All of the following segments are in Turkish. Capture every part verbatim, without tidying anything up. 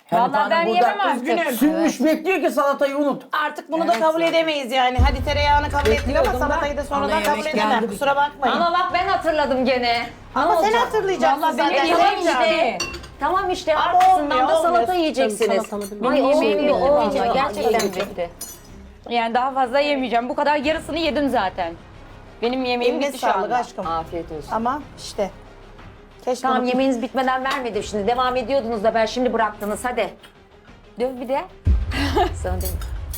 Vallahi Hanım ben burada yemem artık. üzgünüm. Sünmüş bekliyor ki salatayı unut. Artık bunu da kabul edemeyiz yani. Hadi tereyağını kabul ettik ama Bekliyordum salatayı da ben. sonradan Ana kabul yemek edemem. geldi bir Kusura bakmayın. Ama bak ben hatırladım gene. Ama Ne sen olacak? hatırlayacaksın Vallahi zaten. benim Tamam yemeğim işte. Tamam işte Ama arkasından olmuyor, da salata olmuyor. yiyeceksiniz. salatalı Benim Ay yemeğim olmuyor, bitti olmuyor. vallahi. Gerçekten Yedim. bitti. Yani daha fazla yemeyeceğim. Bu kadar yarısını yedim zaten. Benim yemeğim Eline bitti şu sağlık anda. aşkım. Afiyet olsun. Ama işte. Keşke Tamam bunu- yemeğiniz bitmeden vermedim şimdi. Devam ediyordunuz da ben şimdi bıraktınız hadi. Döv bir de. Sana dedim.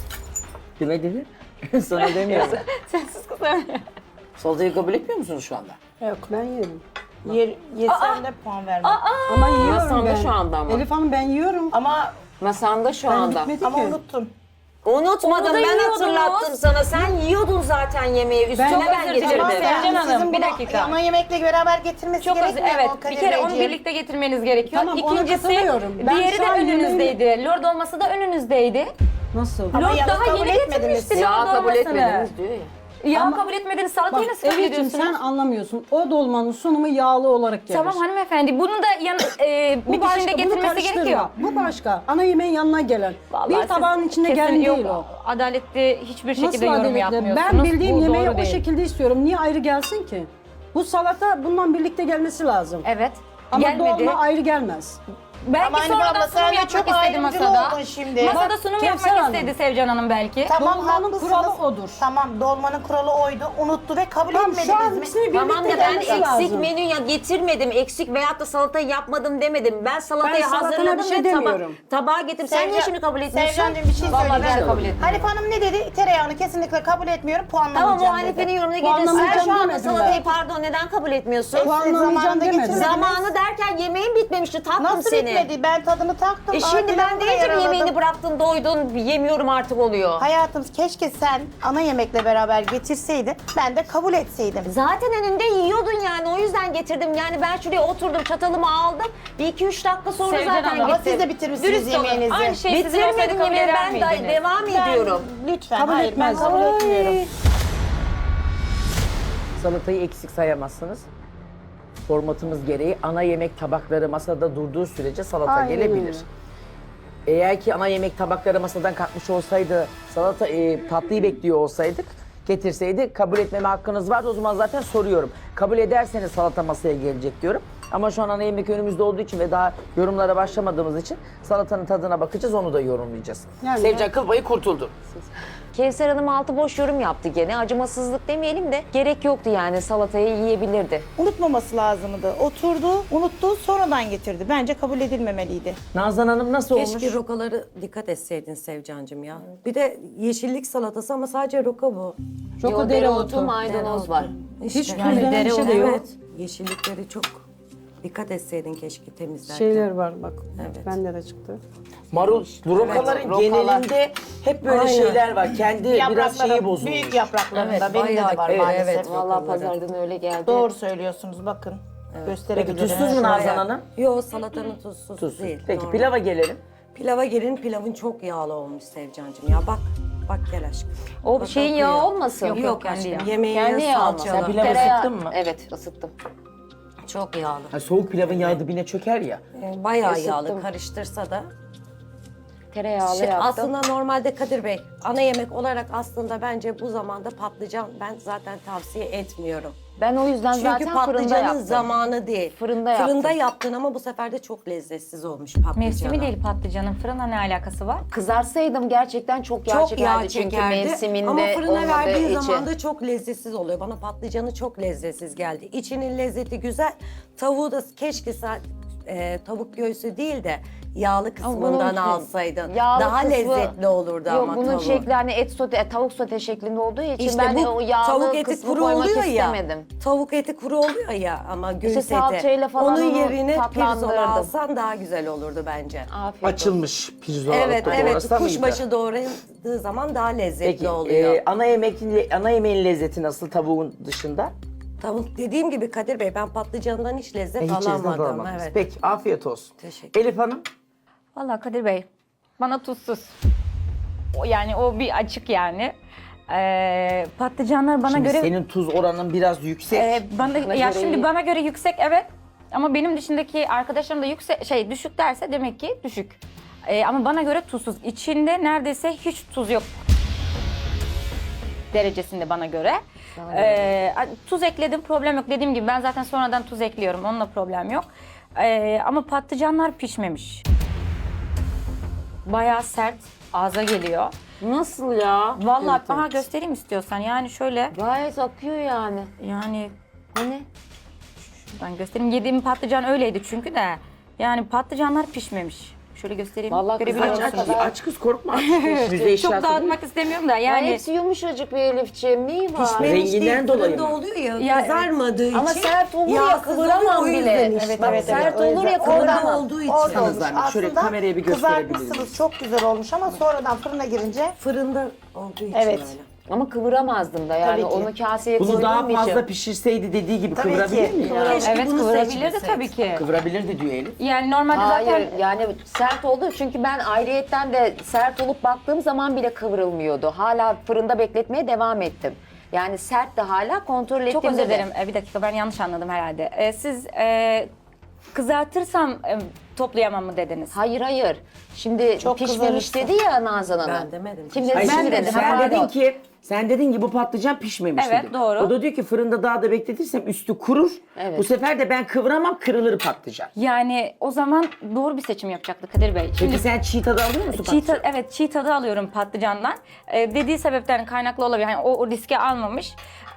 Kime dedi? Sana demiyorum. Sensiz kızım. Salatayı kabul etmiyor musunuz şu anda? Yok ben yerim. Yer, yesen de puan verme. Ama yiyorum Masanda ben. şu anda ama. Elif Hanım ben yiyorum. Ama Masanda şu Ben anda. bitmedi ama ki. unuttun. Unutmadım Onu da ben yiyordunuz. hatırlattım sana. Sen yiyordun zaten yemeği. Üstüne Ben- ben, özür getirdim. dilerim. Ama Sevcan yani Hanım, sizin bir bunu dakika. ana yemekle beraber getirmesi Çok az, gerekmiyor evet. mu Bir Kadir kere onu Beyciğim? birlikte getirmeniz gerekiyor. Tamam, ona İkincisi, katılıyorum. Ben diğeri şu de an önünüzdeydi. Lord olması da önünüzdeydi. Nasıl? Ama Lord yalnız daha kabul yeni etmediniz. getirmişti Ya lord kabul olmasını. etmediniz diyor ya. Ya Ama- kabul etmediniz. Bak Salatayı nasıl kabul Elif'ciğim ediyorsunuz? sen anlamıyorsun. O dolmanın sunumu yağlı olarak gelir. Tamam hanımefendi. Bunu da yan, e, Bu bir başka, dişinde bunu getirmesi karıştırma. gerekiyor. Bu başka. Ana yemeğin yanına gelen. Vallahi bir siz tabağın içinde kesin gelen yok, değil o. Adaletli hiçbir şekilde Nasıl yorum adaletli? yapmıyorsunuz. Ben bildiğim Bu yemeği doğru o değil. şekilde istiyorum. Niye ayrı gelsin ki? Bu salata bundan birlikte gelmesi lazım. Evet. Ama Gelmedi. dolma ayrı gelmez. Belki Ama hani sonradan abla sunum sen de yapmak çok istedi ayrımcılı masada. oldun şimdi. Masada Bak, sunum Kevser yapmak Hanım. istedi Sevcan Hanım belki. Tamam Dolmanın haklısınız. kuralı odur. Tamam dolmanın kuralı oydu. Unuttu ve kabul Tamam şu an etmediniz ikisini mi? birlikte Tamam da ben gelmesi eksik lazım. menü ya getirmedim. Eksik veyahut da salatayı yapmadım demedim. Ben salatayı Ben salatana hazırladım bir şey ve taba demiyorum. tabağa getirdim. Sen niye Sevcan- şimdi kabul etmiyorsun? Sevcancığım bir şey Vallahi ben de söyleyeceğim. kabul etmiyorum. Hanif Hanım ne dedi? Tereyağını kesinlikle kabul etmiyorum. Tamam Puanlamayacağım o Hanife'nin dedi. yorumuna gelirsin. Sen Puanlamayacağım şu anda demedim salatayı ben. pardon neden kabul etmiyorsun? Siz Puanlamayacağım zamanında demedim. getirmediniz. Zamanı derken yemeğin bitmemişti tatlım Nasıl seni. bitmedi? Ben tadını taktım. E şimdi Aa, ben pilavı deyince mi ayarladım. yemeğini bıraktın doydun yemiyorum artık oluyor. Hayatım keşke sen ana yemekle beraber getirseydin. Ben de kabul etseydim. Zaten önünde yiyordun yani o yüzden getirdim. Yani ben şuraya oturdum çatalımı aldım. Bir iki üç dakika sonra Sevcan zaten Hanım, Ama gittim. siz de bitirmişsiniz Dürüst olun. yemeğinizi. Aynı şey sizin olsaydı Bitirmedim kabul yemeği eder ben de miydiniz? devam Ben- ediyorum. Lütfen. Kabul Hayır ben etmezdim. kabul etmiyorum. Salatayı eksik sayamazsınız. Formatımız gereği ana yemek tabakları masada durduğu sürece salata Aynen gelebilir. öyle. Eğer ki ana yemek tabakları masadan kalkmış olsaydı, salata e, tatlıyı bekliyor olsaydık, getirseydi kabul etmeme hakkınız vardı. O zaman zaten soruyorum. Kabul ederseniz salata masaya gelecek diyorum. Ama şu an ana yemek önümüzde olduğu için ve daha yorumlara başlamadığımız için salatanın tadına bakacağız, onu da yorumlayacağız. Yani- Sevcan kıl payı kurtuldu. Kevser Hanım altı boş yorum yaptı gene. Acımasızlık demeyelim de gerek yoktu yani salatayı yiyebilirdi. Unutmaması lazımdı. Oturdu, unuttu, sonradan getirdi. Bence kabul edilmemeliydi. Nazan Hanım nasıl olmuş? Keşke rokaları dikkat etseydin Sevcancığım ya. Bir de yeşillik salatası ama sadece roka bu. Çok dereotu. maydanoz var. Hiç İşte. közlenen bir şey de yok. Evet. Yeşillikleri çok dikkat etseydin keşke temizlerken. Şeyler var bak. Evet. Bende de çıktı. Marul, bu rokaların rokalar. genelinde hep böyle Aynen. şeyler var. Kendi biraz şeyi bozulmuş. büyük yapraklarında Evet, benim de bayağı var evet, maalesef. evet. Vallahi rokaları. pazardan öyle geldi. Doğru söylüyorsunuz bakın. Peki Gösterebilirim. tuzsuz mu Nazan Hanım? Yok salatanın tuzsuz Tuzsuz. değil. Peki normal. pilava gelelim. Pilava gelin pilavın çok yağlı olmuş Sevcancığım ya bak. Bak gel aşkım. O Bak, şeyin bak, yağı yağı. olmasın? Yok, Yok, yok kendi aşkım. yağı. Yemeğin Kendi yağı yağı olmasın. Sen salçalı. pilavı Tereyağı- ısıttın mı? Evet ısıttım. Çok yağlı. Ha, soğuk pilavın yağı dibine çöker ya. Ee, Bayağı Isıttım. yağlı karıştırsa da. Tereyağlı Şey, yaptım. aslında normalde Kadir Bey ana yemek olarak aslında bence bu zamanda patlıcan ben zaten tavsiye etmiyorum. Ben o yüzden Çünkü zaten fırında patlıcanın yaptım. zamanı değil. Fırında yaptım. Fırında yaptın ama bu sefer de çok lezzetsiz olmuş patlıcanı. Mevsimi değil patlıcanın. Fırına ne alakası var? Kızarsaydım gerçekten çok yağ Çok çekerdi yağ çünkü çekerdi mevsiminde ama fırına olmadığı verdiğin için. zaman da çok lezzetsiz oluyor. Bana patlıcanı çok lezzetsiz geldi. İçinin lezzeti güzel. Tavuğu da keşke sa- e, tavuk göğsü değil de yağlı kısmından bunun alsaydın. yağlı Daha kısmı- lezzetli olurdu Yok, ama bunun tavuğu. şekli hani et sote, e, tavuk sote şeklinde olduğu için İşte ben bu o yağlı tavuk eti kısmı kuru koymak oluyor istemedim. ya. Tavuk eti kuru oluyor ya ama göğüs eti. salçayla falan Onun onu yerine tatlandırırdım. pirzola alsan daha güzel olurdu bence. Afiyet olsun. Açılmış pirzola. Evet alıp da evet doğrasa mıydı? kuşbaşı doğrandığı zaman daha lezzetli Peki oluyor. e, ana yemeğin ana yemeğin lezzeti nasıl tavuğun dışında? Tavuk dediğim gibi Kadir Bey ben patlıcandan hiç lezzet E, hiç lezzet alamadım. alamadınız. Evet. Peki afiyet olsun. Teşekkür Elif Hanım. Vallahi Kadir Bey bana tuzsuz. O yani o bir açık yani. Ee, patlıcanlar bana Şimdi göre senin tuz oranın biraz yüksek. Ee, bana Bana ya göre şimdi iyi. bana göre yüksek evet. Ama benim dışındaki arkadaşlarım da yüksek şey düşük derse demek ki düşük. Ee, ama bana göre tuzsuz. İçinde neredeyse hiç tuz yok derecesinde bana göre. Ee, tuz ekledim, problem yok. Dediğim gibi ben zaten sonradan tuz ekliyorum. Onunla problem yok. Ee, ama patlıcanlar pişmemiş. Bayağı sert, ağza geliyor. Nasıl ya? Vallahi aha göstereyim istiyorsan. Yani şöyle, Gayet akıyor yani. yani Hani? ben göstereyim. Yediğim patlıcan öyleydi çünkü de. Yani patlıcanlar pişmemiş. Şöyle göstereyim. Vallahi Görebiliyor kızaracak Aç, musunuz? aç, aç kız korkma. Aç. Müze Çok eşyası değil. dağıtmak istemiyorum da Yani yani. hepsi yumuşacık bir Elifciğim. Neyi var? Pişmemiş Renginden değil, dolayı fırında mı? oluyor ya, Ya, kızarmadığı için. Ama sert olur ya, yağsız kıvıramam oluyor, o bile. yüzden işte. Evet, evet, sert o olur yüzden ya, oradan kıvıramam. olduğu için. orada Sana olmuş. zahmet, şöyle Aslında kameraya bir gösterebilir miyiz? kızartmışsınız, çok güzel olmuş ama sonradan fırına girince Fırında olduğu için Evet. öyle. Ama kıvıramazdım da yani Tabii ki. onu kaseye Bunu daha koyduğum fazla için. pişirseydi dediği gibi Tabii kıvırabilir ki. mi? Kıvırabilir. Keşke Evet, bunu kıvırabilirdi seçmeseydik. tabii ki. Kıvırabilirdi diyor Elif. Yani normalde Hayır zaten yani sert oldu çünkü ben ayrıyetten de sert olup baktığım zaman bile kıvrılmıyordu. Hala fırında bekletmeye devam ettim. Yani sert de hala kontrol ettiğimde çok özür de- dilerim. Ee, bir dakika ben yanlış anladım herhalde. Ee, siz e, kızartırsam e, toplayamam mı dediniz? Hayır hayır. Şimdi Çok pişmemiş kızarırsa. dedi ya Nazan Hanım. Ben demedim. Şimdi Hayır, ben şimdi dedim. sen Pardon. dedin ki sen dedin ki bu patlıcan pişmemiş Evet, dedin. doğru. O da diyor ki fırında daha da bekletirsem üstü kurur. Evet. Bu sefer de ben kıvıramam, kırılır patlıcan. Yani o zaman doğru bir seçim yapacaktı Kadir Bey. Peki sen çiğ tadı alıyor musun Çiğ patlıcan? ta- evet çiğ tadı alıyorum patlıcandan. Ee, dediği sebepten kaynaklı olabilir. Yani o, o riske almamış.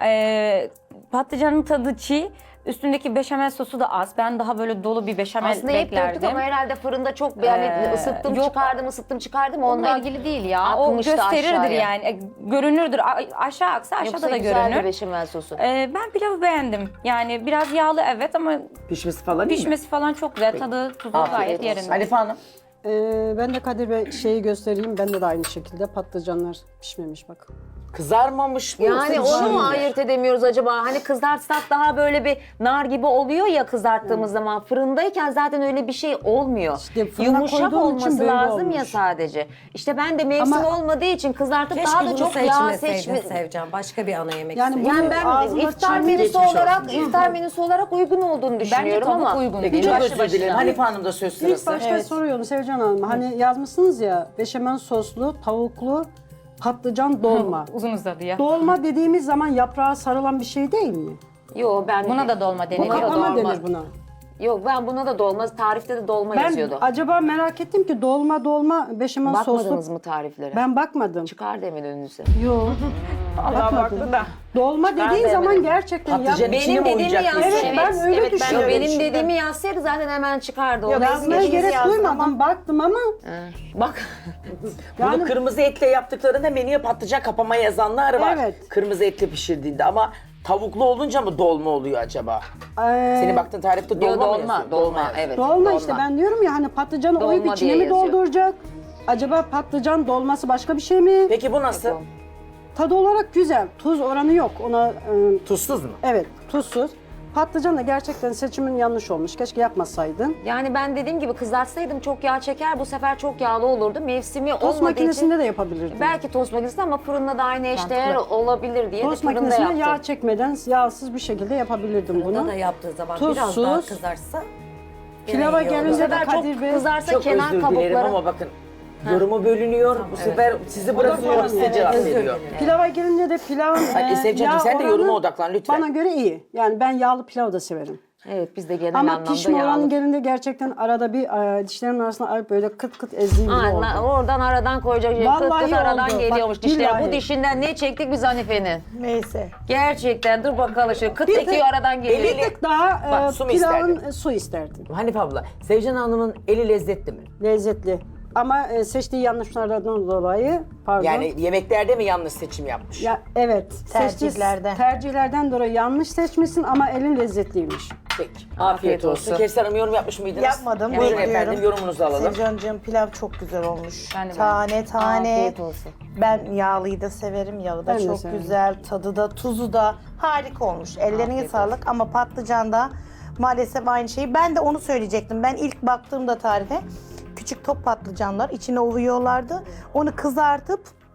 Ee, patlıcanın tadı çiğ. Üstündeki beşamel sosu da az. Ben daha böyle dolu bir beşamel Aslında hep beklerdim. döktük ama herhalde fırında çok yani Ee, ısıttım yok. çıkardım ısıttım çıkardım Onunla ondan ilgili değil ya. O akmıştı gösterirdir aşağıya. yani. E, görünürdür. A- aşağı aksa aşağıda Yoksa da güzeldi görünür. beşamel sosu. Ee, ben pilavı beğendim. Yani biraz yağlı evet ama Pişmesi falan değil mi? pişmesi falan çok güzel. Tadı, tuzu Afiyet gayet olsun. yerinde. Hanife Hanım. Ee, ben de Kadir Bey şeyi göstereyim. Bende de aynı şekilde patlıcanlar pişmemiş bak. Kızarmamış mı? Yani yoksa onu mu çiğ mi? ayırt edemiyoruz acaba? Hani kızartsak daha böyle bir nar gibi oluyor ya kızarttığımız zaman. Fırındayken zaten öyle bir şey olmuyor. İşte fırına Yumuşak koyduğum için olması böyle lazım olmuş. ya sadece. İşte ben de mevsim Ama- olmadığı için kızartıp Keşke daha da bunu çok yağ seçmeseydin seçme... Sevcan. Başka bir ana yemek Yani yani Yani Bunu ben ağzına iftar çiğ menüsü geçmiş olarak olsun diye. iftar menüsü olarak uygun olduğunu Bence düşünüyorum tavuk ama. uygun Peki değil. çok Başlı özür dilerim. başına. Hanife Hanım'da söz İlk sırası. başta Evet. soruyorum Sevcan Hanım. Hani yazmışsınız ya beşamel soslu, tavuklu, patlıcan dolma. Uzun uzadı ya. Dolma dediğimiz zaman yaprağa sarılan bir şey değil mi? Yo ben Buna da dolma Buna deniyor. da Kaplama dolma. denir buna. Yok ben buna da dolma, tarifte de dolma Ben yazıyordu. acaba merak ettim ki dolma dolma beşamel Bakmadınız soslu. mı tariflere? Ben bakmadım. Çıkar demin önünüze. Yok. Bakmadım. Dolma dediğin demedim. zaman gerçekten Patlıcan yap- içine mi Benim dediğimi oyacak? yazsaydı. Evet, ben öyle evet, düşünüyorum benim şimdi. dediğimi yazsaydı zaten hemen çıkardı. Yok, O yazmaya Biz gerek yazdım duymadım. ama- Baktım ama Bak. Bunu yani kırmızı etle yaptıklarında menüye patlıcan kapama yazanlar var. Evet. Kırmızı etle pişirdiğinde ama tavuklu olunca mı dolma oluyor acaba? eee, Senin baktığın tarifte dolma Yo, mı dolma, yazıyor? dolma, yazıyor. evet. dolma işte ben diyorum ya hani patlıcanı Dolma oyup içine diye mi yazıyor. dolduracak? Acaba patlıcan dolması başka bir şey mi? Peki bu nasıl? Tadı olarak güzel. Tuz oranı yok. Ona eee, Tuzsuz mu? evet tuzsuz. Patlıcan da gerçekten seçimin yanlış olmuş. Keşke yapmasaydın. Yani ben dediğim gibi kızartsaydım çok yağ çeker. Bu sefer çok yağlı olurdu. Mevsimi Tost olmadığı makinesinde için. de yapabilirdin. Belki tost makinesinde ama fırında da aynı eşdeğer olabilir diye Tost de fırında makinesinde yaptım. yağ çekmeden yağsız bir şekilde yapabilirdim Fırında bunu. da yaptığı zaman Tuzsuz. biraz daha kızarsa Pilava gene iyi olur. Bu gelince de sefer çok Kadir Bey kızarsa Çok kenar özür dilerim kabukları. ama bakın yorumu bölünüyor. Bu sefer sizi bırakıyorum size cevap özür veriyor. dilerim. pilava gelince de pilavın Hadi e, Sevcan'cığım, yağ sen de oranı yoruma odaklan lütfen. Bana göre iyi. Yani ben yağlı pilav da severim. Evet biz de genel Ama anlamda pişme yağlı. oranı gelince gerçekten arada bir e, dişlerimin arasına alıp böyle kıt kıt ezdiğim gibi oldu. Aynen, oradan aradan koyacak. Kıt Vallahi kıt aradan oldu. geliyormuş Bak, dişleri. billahi. Bu dişinden ne çektik biz Hanife'nin? neyse. Gerçekten dur bakalım şu kıt Bir ekiyor tık- aradan geliyor. Bir tık daha Bak, e, su mu pilavın isterdin? e, su isterdim. Hanife abla, Sevcan Hanım'ın eli lezzetli mi? Lezzetli. Ama e, seçtiği yanlışlardan dolayı pardon. Yani yemeklerde mi yanlış seçim yapmış? Ya evet. seçtiği Tercihlerde. tercihlerden dolayı yanlış seçmişsin ama elin lezzetliymiş. Peki. Afiyet, Afiyet olsun. olsun. Kevser Hanım yorum yapmış mıydınız? Yapmadım, Buyurun bekliyorum. efendim, yorumunuzu alalım. Sevcancığım pilav çok güzel olmuş. Ben de tane tane. Afiyet olsun. Ben yağlıyı da severim. Yağı da Ben de çok severim. güzel. Tadı da tuzu da harika olmuş. Ellerine sağlık ama patlıcan da maalesef aynı şeyi. Ben de onu söyleyecektim. Ben ilk baktığımda tarife küçük top patlıcanlar içine ovuyorlardı. Onu kızartıp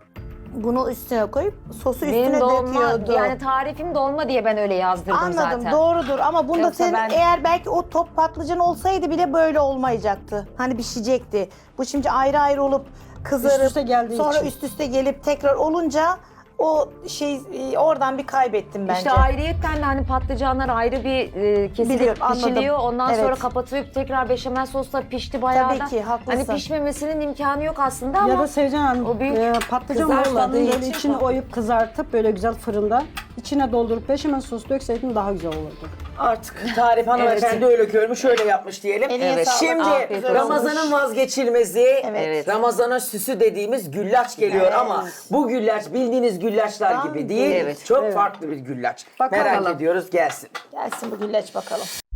bunu üstüne koyup sosu Benim üstüne dolma, döküyordu. yani tarifim dolma diye ben öyle yazdırdım Anladım, zaten. doğrudur ama bunda Yoksa senin ben- eğer belki o top patlıcan olsaydı bile böyle olmayacaktı. Hani pişecekti. Bu şimdi ayrı ayrı olup kızarıp Üst üste geldiği sonra için. üst üste gelip tekrar olunca o şey e, oradan bir kaybettim bence. İşte ayrıyetten de hani patlıcanlar ayrı bir e, kesilip Biliyorum, anladım. pişiliyor. Ondan Evet. sonra kapatılıp tekrar beşamel sosla pişti bayağı Tabii da. ki, haklısın. Hani pişmemesinin imkanı yok aslında ama. Ya da Sevcan Hanım o büyük e, patlıcan kızartmadığı morlarını böyle için içini falan. oyup kızartıp böyle güzel fırında içine doldurup beşamel sos dökseydin daha güzel olurdu. Artık tarif hanımefendi öyle görmüş, öyle yapmış diyelim. Eline Evet. sağlık, Şimdi afiyet olsun. Ramazan'ın vazgeçilmezi, Evet. Ramazan'a süsü dediğimiz güllaç geliyor Evet. ama bu güllaç bildiğiniz güllaçlar Tam gibi değil. Evet. Çok Evet. farklı bir güllaç. Bakalım. Merak ediyoruz, gelsin. Gelsin bu güllaç bakalım.